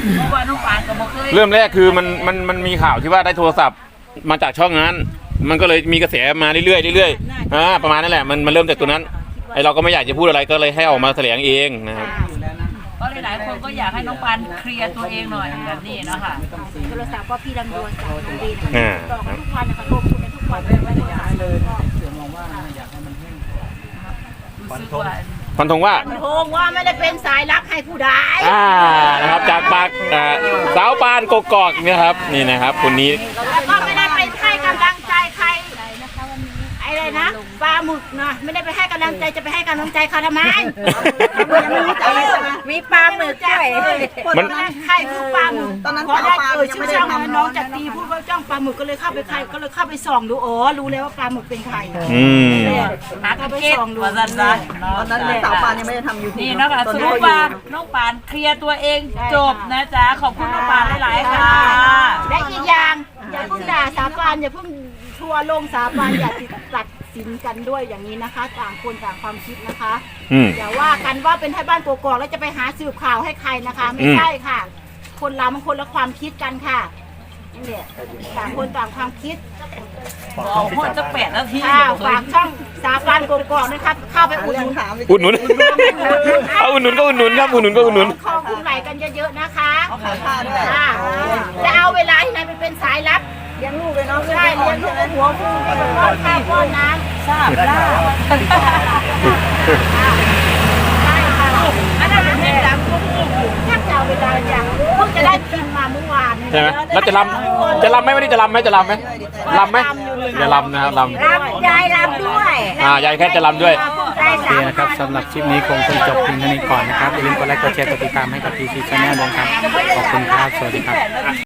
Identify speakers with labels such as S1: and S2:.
S1: เพราะว่าน้องปานก็บอกเคย
S2: เริ่มแรกคือมันมีข่าวที่ว่าได้โทรศัพท์มาจากช่องนั้นมันก็เลยมีกระแสมาเรื่อยๆประมาณนั้นแหละมันเริ่มจากตัวนั้นไอเราก็ไม่อยากจะพูดอะไรก็เลยให้ออกมาแถลงเองนะครับ
S1: ก็หลายๆคนก็อยากให้น้องปานเคลียร์ตัวเองหน่อยแบบนี้เนาะค่ะ
S3: โทรศัพท์ก็พี่ลำดวนจากน้องดีต่อทุกวันนะคะโทรคุยกันทุกวันไม่ได้ย้ายเลยเดี๋ยวมองว่าอยากให้มันแห้ง
S1: รู้สึกว่า
S2: ฟันธงว่า
S3: โทงว่าไม่ได้เป็นสายลับให้ผู้ใด
S2: นะครับจากปากสาวปานกกอกนะครับนี่นะครับคนนี้
S3: แล้วก็ไม่ได้ไปให้กำลังใจใครอะไรนะปลาหมึกนะไม่ได้ไปให้กำลังใจจะไปให้กำลังใจเขาทำไมยังไม่รู้จักมีปลาหมึกด้วยคนนั้นใครคือปลาหมึกตอนนั้นพอได้ชื่อช่องน้องจักรีพูดว่าจ้องปลาหมึกก็เลยเข้าไปใครก็เลยเข้าไปส่องดูอ๋อรู้แล้วว่าปลาหมึกเป็นใคร
S1: หากระเก็ตว่าสันตอนนั้น
S4: สาวปานยังไม่ได้ทำยูทูบ
S1: นี่นะคะสรุปว่าน้องปานเคลียร์ตัวเองจบนะจ๊ะขอบคุณน้องปานหลายๆค่ะ
S3: และอีกอย่างอย่าเพิ่งด่าสาบานอย่าเพิ่งทัวร์ลงสาบานอย่าตัดสินกันด้วยอย่างนี้นะคะต่างคนต่างความคิดนะคะอย่าว่ากันว่าเป็นไทยบ้านกกอกแล้วจะไปหาสืบข่าวให้ใครนะคะไม่ใช่ค่ะ คนเรามันคนละความคิดกันค่ะนี่แหละต่างคนต่างความคิด
S1: บอกว่าจะ8 นาที
S3: ฝากช่องสาบานกกอกนะครับเข้าไปอุดหนุน
S2: อุดหนุนเอาอุดหนุนก็อุดหนุนครับอุดหนุนก็อุดหนุน
S3: คอคุณไหลกันเยอะๆนะคะจะเอาเวลาที่ไหนไปเป็นสายลับเลี้ยงลูกเลยเนาะใช่เลี้ยงลูกหัวฟูป้อนข้าวป้อนน้ำ
S1: ทราบล่าอันนั้นเป็นดังพวกนี้อยู่
S3: แทบจะเอาเวลาอย่างเพิ่งจะได้กินมาเมื่อวาน
S2: ใช่ไหมแล้วจะลำไหมไม่ได้จะลำไหมลำไหมอย่าลำนะครับลำ
S3: ยายรำด้วย
S2: ยายแค่จะลำด้วย
S5: โอเคนะครับสำหรับคลิปนี้คงต้องจบเพียงเท่านี้ก่อนนะครับอย่าลืมกดไลค์กดแชร์กดติดตามให้กับ TC Channel ด้วยครับขอบคุณครับสวัสดีครับ